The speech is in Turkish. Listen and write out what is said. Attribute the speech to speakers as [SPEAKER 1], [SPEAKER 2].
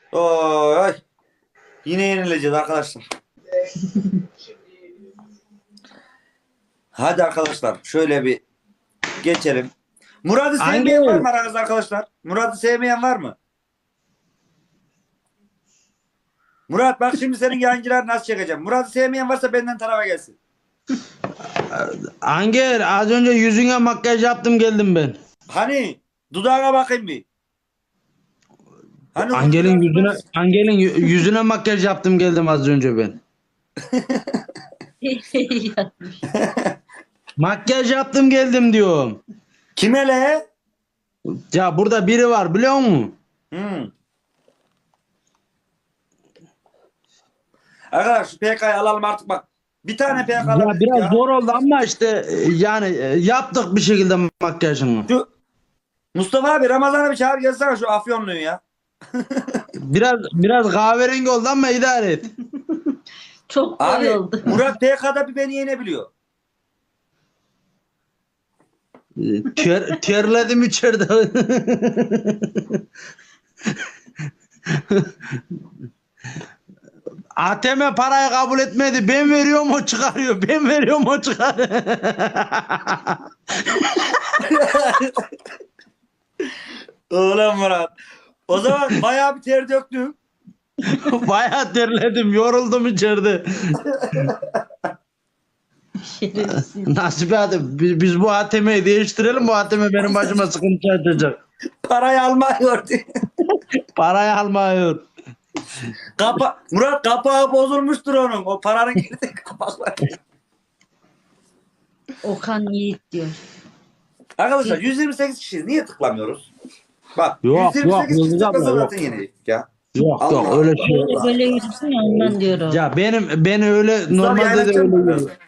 [SPEAKER 1] Oy. Yine yenileceğiz arkadaşlar. Hadi arkadaşlar şöyle bir geçelim. Murat'ı sevmeyen var mı aranızda arkadaşlar? Murat'ı sevmeyen var mı? Murat bak şimdi senin yayıncılar nasıl çekeceğim. Murat'ı sevmeyen varsa benden tarafa gelsin.
[SPEAKER 2] Anger az önce yüzüne makyaj yaptım geldim ben.
[SPEAKER 1] Hani dudağına bakayım bir. Hani
[SPEAKER 2] Angel'in yüzüne makyaj yaptım geldim az önce ben. Makyaj yaptım geldim diyorum.
[SPEAKER 1] Kime le?
[SPEAKER 2] Ya burada biri var biliyor musun?
[SPEAKER 1] Arkadaşlar şu PK'yı alalım artık bak. Bir tane PK
[SPEAKER 2] Ya
[SPEAKER 1] alabiliriz
[SPEAKER 2] biraz
[SPEAKER 1] ya.
[SPEAKER 2] zor oldu ama işte yani yaptık bir şekilde makyajını.
[SPEAKER 1] Şu Mustafa abi Ramazan'a bir çağır gelsene şu Afyonlu'yu ya.
[SPEAKER 2] Biraz kahverengi oldu ama idare et.
[SPEAKER 3] Çok
[SPEAKER 1] Abi
[SPEAKER 3] koyu oldu.
[SPEAKER 1] Murat PK'da bir beni yenebiliyor.
[SPEAKER 2] Terledim içeride. ATM parayı kabul etmedi. Ben veriyorum o çıkarıyor. Ben veriyorum o çıkarıyor.
[SPEAKER 1] Oğlum Murat. O zaman bayağı bir ter döktüm.
[SPEAKER 2] Bayağı terledim. Yoruldum içeride.
[SPEAKER 3] Şerefsiz.
[SPEAKER 2] Nasip hadi biz bu ATM'yi değiştirelim. Bu ATM benim başıma sıkıntı açacak.
[SPEAKER 1] Parayı almıyor diye.
[SPEAKER 2] Parayı almıyor.
[SPEAKER 1] Murat kapağı bozulmuştur onun. O paranın girdiği kapaklar.
[SPEAKER 3] Okan Yiğit diyor.
[SPEAKER 1] Arkadaşlar 128 kişiyiz. Niye tıklamıyoruz? Bak
[SPEAKER 2] Yok,
[SPEAKER 1] 128 kişi
[SPEAKER 2] yok,
[SPEAKER 1] tıklasa
[SPEAKER 2] yok.
[SPEAKER 1] zaten yenildik ya.
[SPEAKER 2] Yok
[SPEAKER 1] Allah
[SPEAKER 2] yok öyle şey.
[SPEAKER 3] Böyle yürüsün ya ondan diyorum.
[SPEAKER 2] Ya beni öyle
[SPEAKER 1] Mustafa
[SPEAKER 2] normalde de
[SPEAKER 1] yayınlatacak
[SPEAKER 2] öyle
[SPEAKER 1] mısın
[SPEAKER 2] yürüyor.
[SPEAKER 1] biraz?